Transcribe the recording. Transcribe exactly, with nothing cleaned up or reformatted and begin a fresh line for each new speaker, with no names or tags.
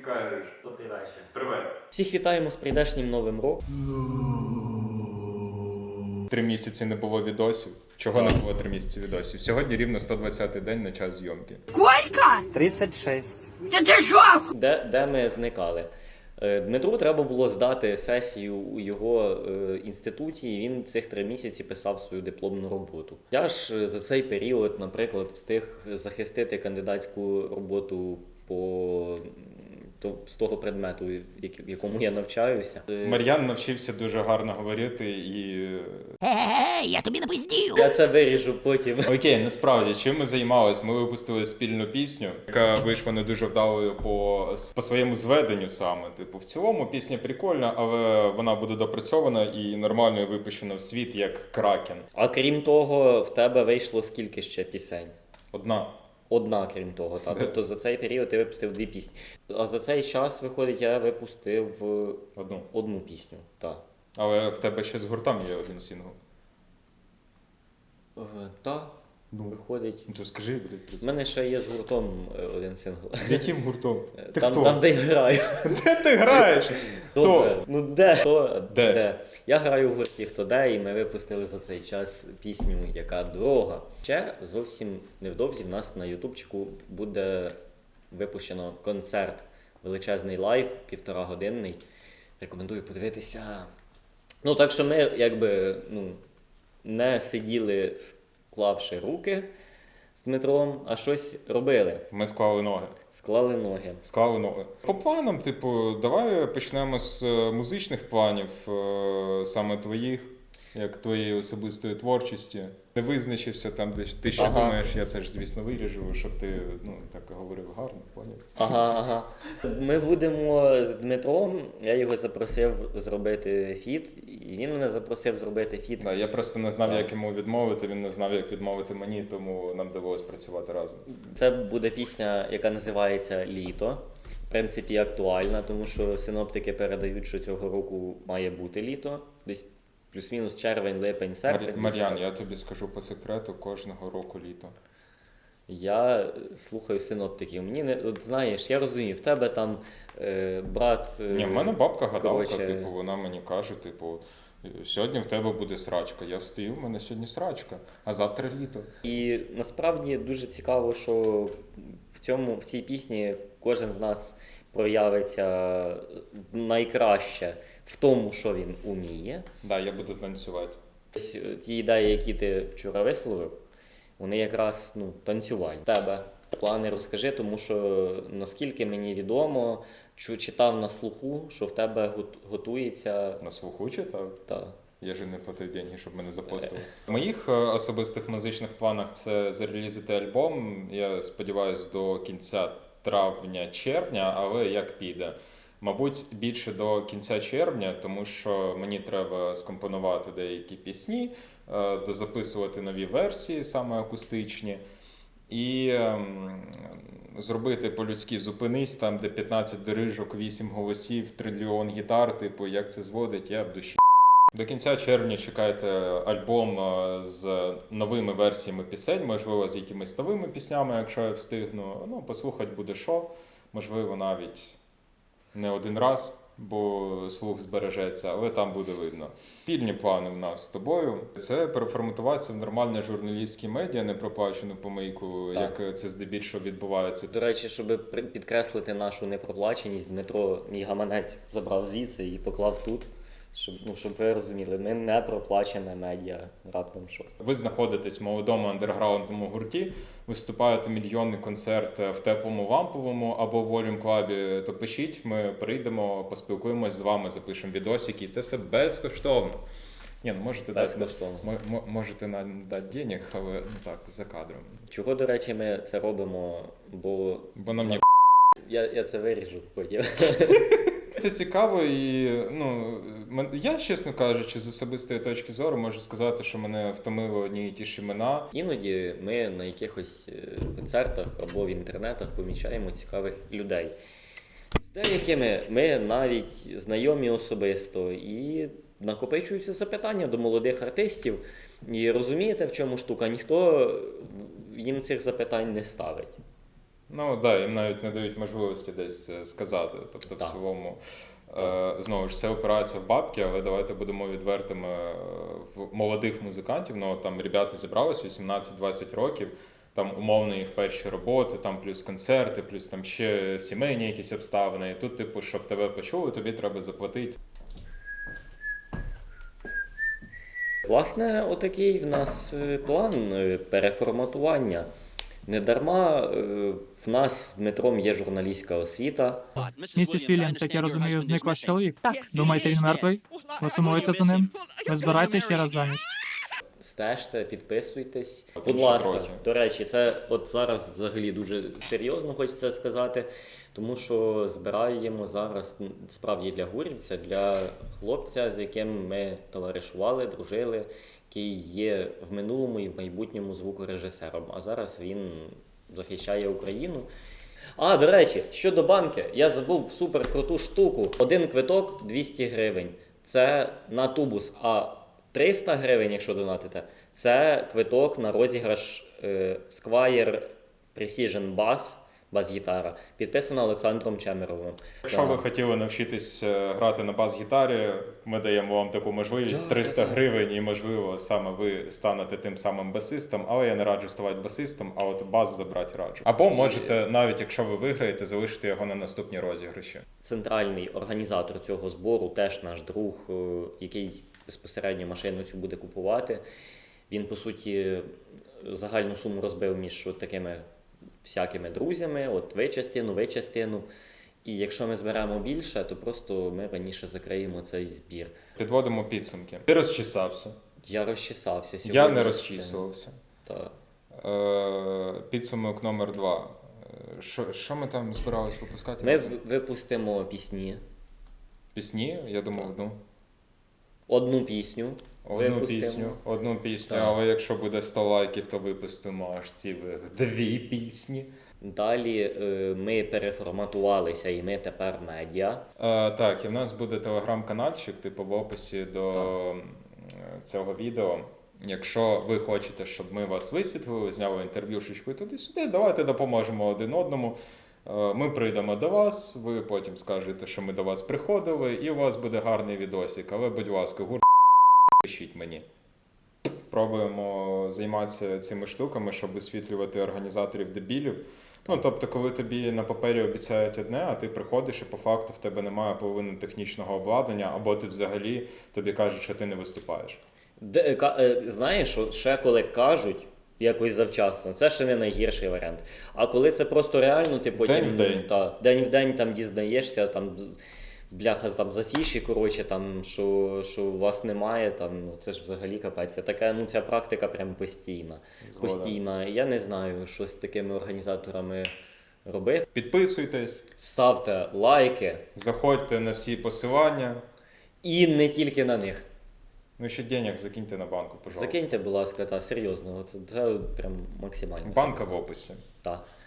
кажеш?
Добрий вечір.
Привет.
Всіх вітаємо з прийдешнім Новим роком.
Три місяці не було відосів. Чого не було три місяці відосів? Сьогодні рівно сто двадцятий день на час зйомки.
Сколько?
тридцять шість.
Да ты шо?
Де, де ми зникали? Е, Дмитру треба було здати сесію у його е, інституті, і він цих три місяці писав свою дипломну роботу. Я ж е, за цей період, наприклад, встиг захистити кандидатську роботу по то, з того предмету, в якому я навчаюся. Е,
Мар'ян навчився дуже гарно говорити і...
Эй, я тобі напиздів.
Я це виріжу потім.
Окей, насправді, чим ми займалися? Ми випустили спільну пісню, яка вийшла не дуже вдалою по, по своєму зведенню саме. Типу, в цілому пісня прикольна, але вона буде допрацьована і нормально і випущена в світ, як Кракен.
А крім того, в тебе вийшло скільки ще пісень?
Одна.
Одна, крім того, так. Тобто за цей період ти випустив дві пісні. А за цей час, виходить, я випустив е,
Одну.
одну пісню. Так.
Але в тебе ще з гуртом є один сингл.
Е, Так, виходить.
Ну то скажи, блядь, про
У
це.
мене ще є з гуртом е, один сингл.
З яким гуртом? Ти
Там,
хто?
там, де я граю.
Де ти граєш?
Добре.
Хто?
Ну де? Хто?
Де?
Я граю в гурті «Хто де», і ми випустили за цей час пісню «Яка дорога». Ще зовсім невдовзі в нас на ютубчику буде випущено концерт, величезний лайв, півторагодинний. Рекомендую подивитися. Ну, так що ми, якби, ну, не сиділи, склавши руки з Дмитром, а щось робили.
Ми склали ноги.
Склали ноги.
Склали ноги. По планам, типу, давай почнемо з е, музичних планів, е, саме твоїх, як твоєї особистої творчості. Не визначився там, де ти ще
Ага.
думаєш, я це ж, звісно, виріжу, щоб ти, ну, так говорив гарно, поняв?
Ага, ага. Ми будемо з Дмитром, я його запросив зробити фіт, і він мене запросив зробити фіт.
Да, я просто не знав,
Так.
як йому відмовити, він не знав, як відмовити мені, тому нам довелось працювати разом.
Це буде пісня, яка називається «Літо». В принципі, актуальна, тому що синоптики передають, що цього року має бути літо. Десь плюс-мінус червень, липень, серпень.
Мар'ян, Мар'ян, я тобі скажу по секрету, кожного року літо.
Я слухаю синоптиків. Мені не от, знаєш, я розумію, в тебе там е, брат. Е,
Ні, в мене бабка гадалка,
коротше,
типу, вона мені каже, типу, сьогодні в тебе буде срачка. Я встаю, в мене сьогодні срачка, а завтра літо.
І насправді дуже цікаво, що в цьому в цій пісні кожен з нас проявиться найкраще в тому, що він уміє.
Да, я буду танцювати.
Ось ті ідеї, які ти вчора висловив, вони якраз ну, танцювальні. Тебе плани розкажи, тому що наскільки мені відомо, чу- читав на слуху, що в тебе гот- готується
На слуху читав?
та.
Я ж не платив деньги, щоб мене запостили. В моїх е, особистих музичних планах це зарелізити альбом. Я сподіваюся, до кінця травня-червня, але як піде. Мабуть, більше до кінця червня, тому що мені треба скомпонувати деякі пісні, е, дозаписувати нові версії, саме акустичні, і ем, зробити по-людськи «Зупинись», там, де п'ятнадцять дорижок, вісім голосів, трильйон гітар, типу, як це зводить, я в душі. До кінця червня чекайте альбом е, з новими версіями пісень, можливо, з якимись новими піснями, якщо я встигну. Ну, послухати буде що, можливо, навіть не один раз, бо слух збережеться, але там буде видно. Спільні плани в нас з тобою – це переформатуватися в нормальне журналістське медіа, не проплачену помийку,
Так.
як це здебільшого відбувається.
До речі, щоб при- підкреслити нашу непроплаченість, Дмитро мій гаманець забрав звідси і поклав тут. Щоб, ну, щоб ви розуміли, ми не проплачене медіа, раптом що.
Ви знаходитесь в молодому андерграундному гурті, виступаєте мільйонний концерт в Теплому Ламповому або в Волюм Клабі, то пишіть, ми прийдемо, поспілкуємось з вами, запишемо відосики, і це все безкоштовно. Ні, ну можете дати,
Безкоштовно.
мо- мо- можете нам дати денег, але ну так, за кадром.
Чого, до речі, ми це робимо, бо
Бо нам ні
я, я це виріжу потім.
Це цікаво і, ну, мен- я, чесно кажучи, з особистої точки зору можу сказати, що мене втомили одні і ті ж імена.
Іноді ми на якихось е, концертах або в інтернетах помічаємо цікавих людей. З деякими ми навіть знайомі особисто і накопичуються запитання до молодих артистів. І розумієте, в чому штука? Ніхто їм цих запитань не ставить.
Ну так, да, їм навіть не дають можливості десь це сказати. Тобто,
Так.
в цілому, е, знову ж все опирається в бабки, але давайте будемо відвертими е, в молодих музикантів. Ну, там ребята зібрались вісімнадцять-двадцять років, там умовно їх перші роботи, там плюс концерти, плюс там ще сімейні якісь обставини. І тут, типу, щоб тебе почули, тобі треба заплатити.
Власне, отакий в нас е, план е, переформатування. Недарма е, в нас з Дмитром є журналістська освіта.
Місіс Вільямс, як я розумію, зник ваш чоловік?
Так.
Думаєте, він мертвий? Ви сумуєте за ним? Ви збираєтесь ще раз заміж?
Стежте, підписуйтесь.
От
Будь
ще
ласка,
трохи.
до речі, це от зараз взагалі дуже серйозно хочеться сказати, тому що збираємо зараз м, справді для гурівця, для хлопця, з яким ми товаришували, дружили, який є в минулому і в майбутньому звукорежисером. А зараз він захищає Україну. А, до речі, щодо банки, я забув супер круту штуку. Один квиток двісті гривень. Це на тубус. А триста гривень, якщо донатите, це квиток на розіграш е, Squire Precision Bass, бас-гітара, підписана Олександром Чемеровим.
Якщо
Так.
ви хотіли навчитись е, грати на бас-гітарі, ми даємо вам таку можливість
Так,
триста
так.
гривень, і можливо саме ви станете тим самим басистом, але я не раджу ставати басистом, а от бас забрати раджу. Або можете, навіть якщо ви виграєте, залишити його на наступні розіграші.
Центральний організатор цього збору, теж наш друг, е, який безпосередньо машину цю буде купувати. Він, по суті, загальну суму розбив між от такими всякими друзями, от ви частину, ви частину. І якщо ми зберемо більше, то просто ми раніше закриємо цей збір.
Підводимо підсумки. Ти розчесався.
Я розчесався сьогодні.
Я не розчісувався.
Так.
Е, підсумок номер два. Е, Що, що ми там збирались випускати?
Ми
разом?
в- випустимо пісні.
Пісні? Я думав, одну.
Одну пісню.
Одну
випустимо.
пісню, одну пісню,
Так.
але якщо буде сто лайків, то випустимо аж цілих дві пісні.
Далі е, ми переформатувалися і ми тепер медіа.
Е, так, і в нас буде телеграм-каналчик, типу в описі до м, цього відео. Якщо ви хочете, щоб ми вас висвітлили, зняли інтерв'юшечку і туди-сюди, давайте допоможемо один одному. Е, Ми прийдемо до вас, ви потім скажете, що ми до вас приходили, і у вас буде гарний відосик. Але, будь ласка, гур пишіть мені. Пробуємо займатися цими штуками, щоб висвітлювати організаторів дебілів. Ну, тобто, коли тобі на папері обіцяють одне, а ти приходиш і по факту в тебе немає половини технічного обладнання, або ти взагалі тобі кажуть, що ти не виступаєш.
Де, ка- е, знаєш, от ще коли кажуть якось завчасно, це ще не найгірший варіант. А коли це просто реально, ти потім
День в день.
Та, день в день там дізнаєшся, там бляха там за фіші, коротше, там, що, що у вас немає, там, ну, це ж взагалі капець. Це така, ну, ця практика прям постійна.
Згоден.
Постійна. Я не знаю, що з такими організаторами робити.
Підписуйтесь,
Ставте лайки
заходьте на всі посилання.
і не тільки на них.
Ну, ще денег закиньте на банку, пожалуйста.
Закиньте, будь ласка, та серйозно, це, це прям максимально.
Банка в описі.
Так.